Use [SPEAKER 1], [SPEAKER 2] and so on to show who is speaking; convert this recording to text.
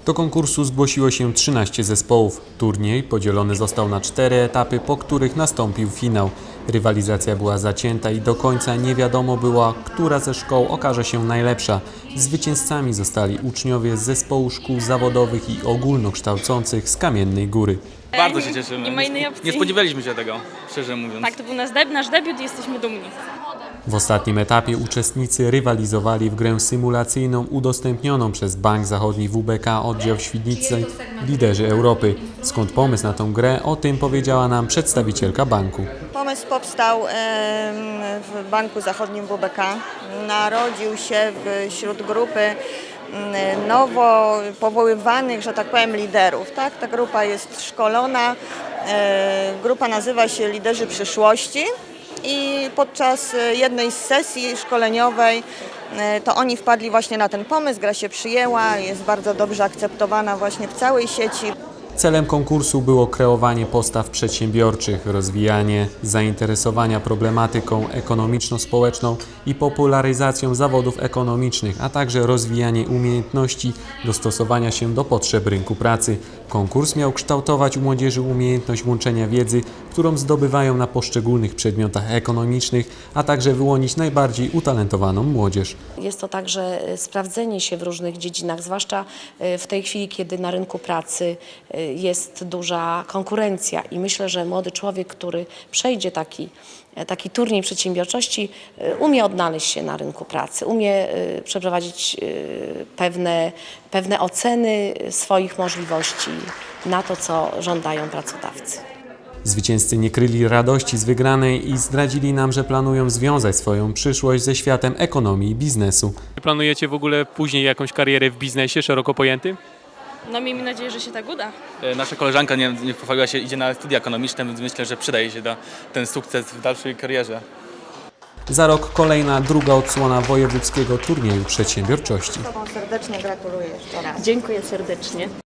[SPEAKER 1] Do konkursu zgłosiło się 13 zespołów. Turniej podzielony został na 4 etapy, po których nastąpił finał. Rywalizacja była zacięta i do końca nie wiadomo było, która ze szkoł okaże się najlepsza. Zwycięzcami zostali uczniowie z zespołu szkół zawodowych i ogólnokształcących z Kamiennej Góry.
[SPEAKER 2] Bardzo się cieszymy.
[SPEAKER 3] Nie ma innej opcji.
[SPEAKER 2] Nie spodziewaliśmy się tego, szczerze mówiąc.
[SPEAKER 3] Tak, to był nasz debiut i jesteśmy dumni.
[SPEAKER 1] W ostatnim etapie uczestnicy rywalizowali w grę symulacyjną udostępnioną przez Bank Zachodni WBK oddział Świdnicy Liderzy Europy. Skąd pomysł na tę grę? O tym powiedziała nam przedstawicielka banku.
[SPEAKER 4] Pomysł powstał w Banku Zachodnim WBK. Narodził się wśród grupy nowo powoływanych, że tak powiem, liderów. Tak? Ta grupa jest szkolona. Grupa nazywa się Liderzy Przyszłości. I podczas jednej z sesji szkoleniowej to oni wpadli właśnie na ten pomysł, gra się przyjęła, jest bardzo dobrze akceptowana właśnie w całej sieci.
[SPEAKER 1] Celem konkursu było kreowanie postaw przedsiębiorczych, rozwijanie zainteresowania problematyką ekonomiczno-społeczną i popularyzacją zawodów ekonomicznych, a także rozwijanie umiejętności dostosowania się do potrzeb rynku pracy. Konkurs miał kształtować u młodzieży umiejętność łączenia wiedzy, którą zdobywają na poszczególnych przedmiotach ekonomicznych, a także wyłonić najbardziej utalentowaną młodzież.
[SPEAKER 5] Jest to także sprawdzenie się w różnych dziedzinach, zwłaszcza w tej chwili, kiedy na rynku pracy jest duża konkurencja i myślę, że młody człowiek, który przejdzie taki turniej przedsiębiorczości, umie odnaleźć się na rynku pracy, umie przeprowadzić pewne oceny swoich możliwości na to, co żądają pracodawcy.
[SPEAKER 1] Zwycięzcy nie kryli radości z wygranej i zdradzili nam, że planują związać swoją przyszłość ze światem ekonomii i biznesu.
[SPEAKER 6] Planujecie w ogóle później jakąś karierę w biznesie szeroko pojętym?
[SPEAKER 3] No miejmy nadzieję, że się tak uda.
[SPEAKER 2] Nasza koleżanka nie pochwaliła się, idzie na studia ekonomiczne, więc myślę, że przydaje się ten sukces w dalszej karierze.
[SPEAKER 1] Za rok kolejna druga odsłona wojewódzkiego turnieju przedsiębiorczości.
[SPEAKER 4] Serdecznie gratuluję jeszcze raz.
[SPEAKER 3] Dziękuję serdecznie.